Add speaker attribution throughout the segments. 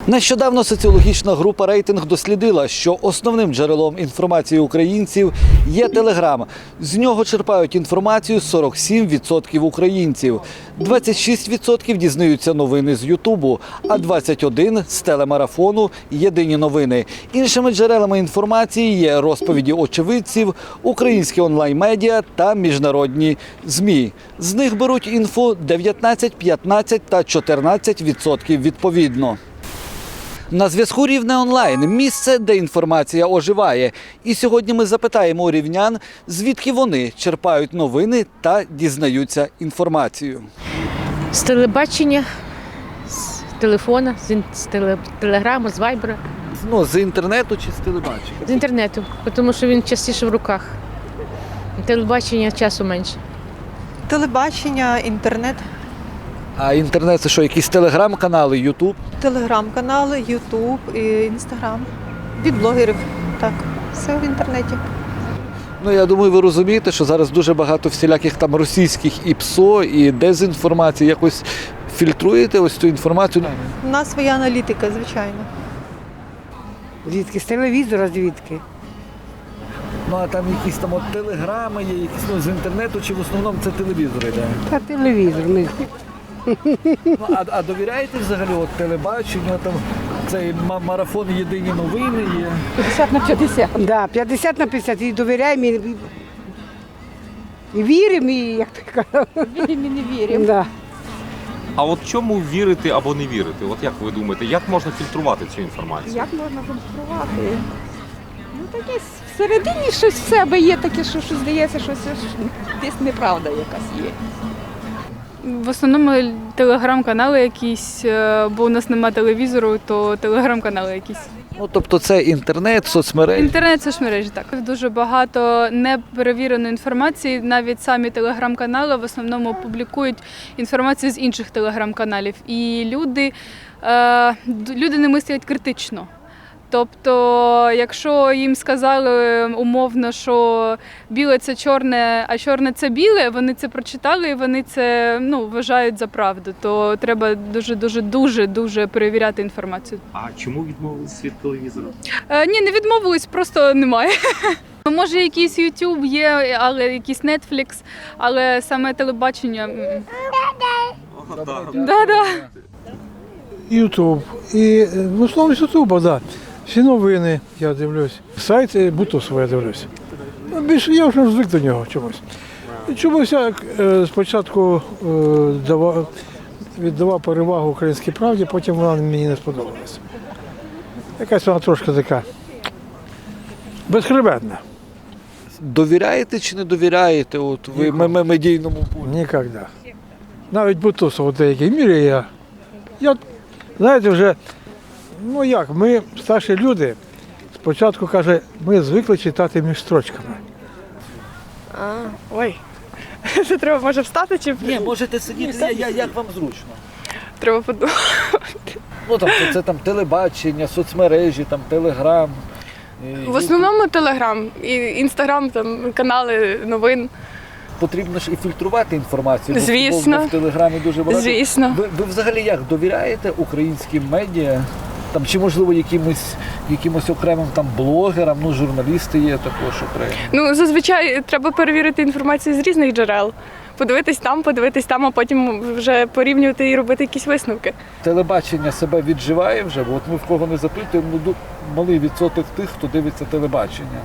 Speaker 1: Нещодавно соціологічна група «Рейтинг» дослідила, що основним джерелом інформації українців є Телеграм. З нього черпають інформацію 47% українців. 26% дізнаються новини з Ютубу, а 21% – з телемарафону «Єдині новини». Іншими джерелами інформації є розповіді очевидців, українські онлайн-медіа та міжнародні ЗМІ. З них беруть інфу 19, 15 та 14% відповідно. На зв'язку «Рівне онлайн» – місце, де інформація оживає. І сьогодні ми запитаємо у рівнян, звідки вони черпають новини та дізнаються інформацію.
Speaker 2: З телебачення, з телефона, з телеграму, з вайбера.
Speaker 1: З інтернету чи з телебачення?
Speaker 2: З інтернету, тому що він частіше в руках. Телебачення часу менше.
Speaker 3: Телебачення, інтернет,
Speaker 1: А інтернет – це що, якісь телеграм-канали, ютуб?
Speaker 3: телеграм-канали, ютуб, інстаграм. Від блогерів, так, все в інтернеті.
Speaker 1: Я думаю, ви розумієте, що зараз дуже багато всіляких там російських і ПСО, і дезінформації. Якось фільтруєте ось цю інформацію?
Speaker 3: У нас своя аналітика, звичайно.
Speaker 4: Звідки? З телевізора звідки?
Speaker 1: А там якісь там телеграми є, якісь з інтернету, чи в основному це телевізор йде?
Speaker 4: Та телевізор.
Speaker 1: А довіряєте взагалі телебаченню, там цей марафон «Єдині новини» є?
Speaker 4: 50/50. Да, 50/50. І довіряємо, і віримо, і як ти кажеш.
Speaker 3: Віримо і не віримо.
Speaker 4: Да.
Speaker 5: А от чому вірити або не вірити? От як ви думаєте, як можна фільтрувати цю інформацію?
Speaker 6: Як можна конструювати? Таке всередині щось в себе є, таке, що здається, що це десь неправда якась є.
Speaker 7: В основному телеграм-канали якісь, бо у нас немає телевізору, то телеграм-канали якісь.
Speaker 1: Тобто це інтернет, соцмережі?
Speaker 7: Інтернет – соцмережі, так. Дуже багато неперевіреної інформації, навіть самі телеграм-канали в основному публікують інформацію з інших телеграм-каналів. І люди не мислять критично. Тобто, якщо їм сказали умовно, що біле – це чорне, а чорне – це біле, вони це прочитали і вони це вважають за правду. То треба дуже перевіряти інформацію.
Speaker 5: А чому відмовились від телевізора?
Speaker 7: Ні, не відмовились, просто немає. Може, якийсь YouTube є, але якийсь Netflix, але саме телебачення. Да.
Speaker 8: Ютуб. І в основному з Ютуба, так. Всі новини я дивлюсь. Сайт Бутусова я дивлюсь. Більше я вже звик до нього чомусь. Чомусь я спочатку віддавав перевагу «Українській правді», потім вона мені не сподобалася. Якась вона трошки така безхребетна.
Speaker 1: Довіряєте чи не довіряєте ви медійному полю?
Speaker 8: Ніколи. Навіть Бутусов у деякій мірі я знаєте, вже, ми, старші люди, спочатку, каже, ми звикли читати між строчками.
Speaker 9: Ой, це треба, може, встати чи...
Speaker 1: Ні, можете сидіти, як вам зручно.
Speaker 9: Треба подумати.
Speaker 1: Це там телебачення, соцмережі, там телеграм.
Speaker 9: В основному телеграм, і інстаграм, там канали новин.
Speaker 1: Потрібно ж і фільтрувати інформацію.
Speaker 9: Звісно.
Speaker 1: Бо в телеграмі дуже багато.
Speaker 9: Звісно.
Speaker 1: Ви взагалі як довіряєте українським медіа? Чи можливо якимось окремим блогерам, журналісти є також окремі?
Speaker 9: Зазвичай треба перевірити інформацію з різних джерел. Подивитись там, а потім вже порівнювати і робити якісь висновки.
Speaker 1: Телебачення себе відживає вже, бо ми в кого не запитуємо, малий відсоток тих, хто дивиться телебачення.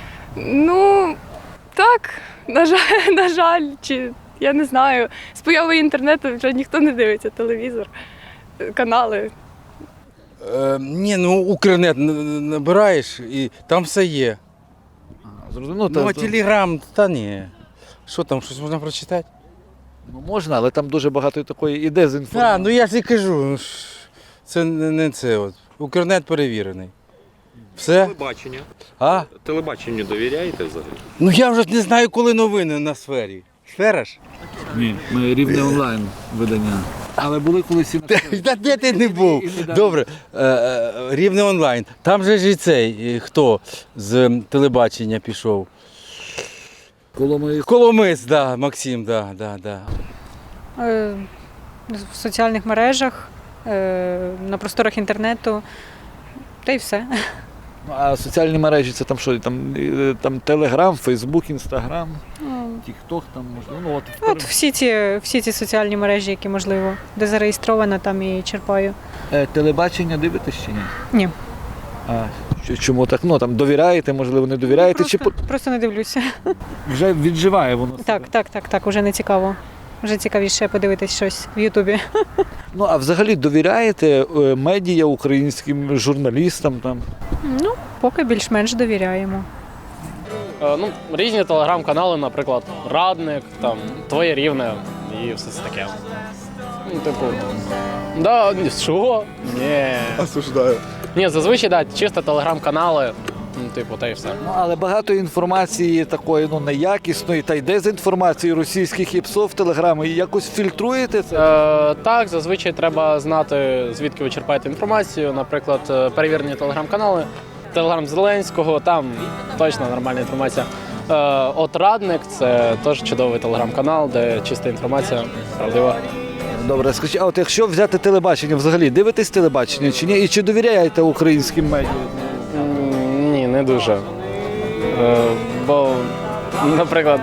Speaker 9: Так, на жаль, чи я не знаю. З появою інтернету вже ніхто не дивиться телевізор, канали.
Speaker 10: Укрнет набираєш і там все є.
Speaker 1: Зрозуміло.
Speaker 10: А телеграм, та ні. Що там, щось можна прочитати?
Speaker 1: Можна, але там дуже багато такої і дезінформації.
Speaker 10: Я ж і кажу, це не це. Укрнет перевірений. Все?
Speaker 5: Телебачення.
Speaker 10: Телебаченню
Speaker 5: довіряєте взагалі?
Speaker 10: Я вже не знаю, коли новини на сфері. Сфера ж?
Speaker 1: Ні, ми «Рівне онлайн» видання. Але були колись і на
Speaker 10: Та де ти не був? Добре, «Рівне онлайн». Там же ж і цей, хто з телебачення пішов? Коломис, да, Максим, да.
Speaker 6: В соціальних мережах
Speaker 3: на просторах інтернету, та й все.
Speaker 1: Ну, а соціальні мережі це там що? Там Телеграм, Фейсбук, Інстаграм, Тікток, там можливо. Ну,
Speaker 3: От всі ці соціальні мережі, які можливо, де зареєстрована, там і черпаю.
Speaker 1: Телебачення дивитесь чи ні?
Speaker 3: Ні.
Speaker 1: А чому так? Ну там довіряєте, можливо, не довіряєте,
Speaker 3: Просто не дивлюся.
Speaker 1: вже відживає воно?
Speaker 3: Так, уже не цікаво. Вже цікавіше подивитись щось в Ютубі.
Speaker 1: Ну а взагалі довіряєте медіа українським журналістам там?
Speaker 3: Ну, поки більш-менш довіряємо.
Speaker 11: Ну, різні телеграм-канали, наприклад, Радник, там, Твоє Рівне і все це таке. Ну, типу, да, що? Ні.
Speaker 12: Осуждаю.
Speaker 11: Ні, зазвичай, да, чисто телеграм-канали, ну, типу, та й все.
Speaker 1: Ну, але багато інформації такої, ну, неякісної, та й дезінформації російських і ПСО в Телеграмі. Якось фільтруєте це?
Speaker 11: Так, зазвичай треба знати, звідки ви черпаєте інформацію. Наприклад, перевірені телеграм-канали, Телеграм Зеленського, там точно нормальна інформація. От Радник – це теж чудовий телеграм-канал, де чиста інформація, правдива.
Speaker 1: Добре, скажіть, а от якщо взяти телебачення, взагалі дивитесь телебачення чи ні? І чи довіряєте українським медіа?
Speaker 11: Ні, не дуже. Бо, наприклад,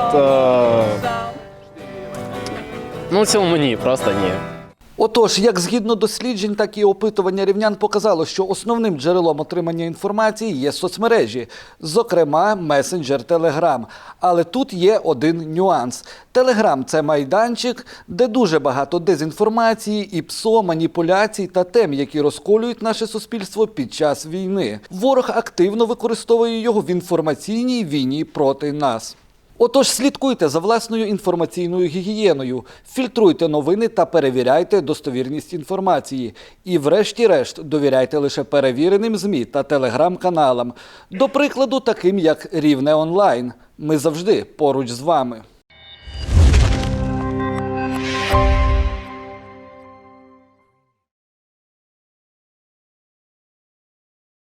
Speaker 11: ну в цілому ні, просто ні.
Speaker 1: Отож, як згідно досліджень, так і опитування рівнян показало, що основним джерелом отримання інформації є соцмережі, зокрема месенджер Telegram. Але тут є один нюанс. Telegram – це майданчик, де дуже багато дезінформації, і ПСО, маніпуляцій та тем, які розколюють наше суспільство під час війни. Ворог активно використовує його в інформаційній війні проти нас. Отож, слідкуйте за власною інформаційною гігієною, фільтруйте новини та перевіряйте достовірність інформації. І врешті-решт довіряйте лише перевіреним ЗМІ та телеграм-каналам. До прикладу, таким як Рівне онлайн. Ми завжди поруч з вами.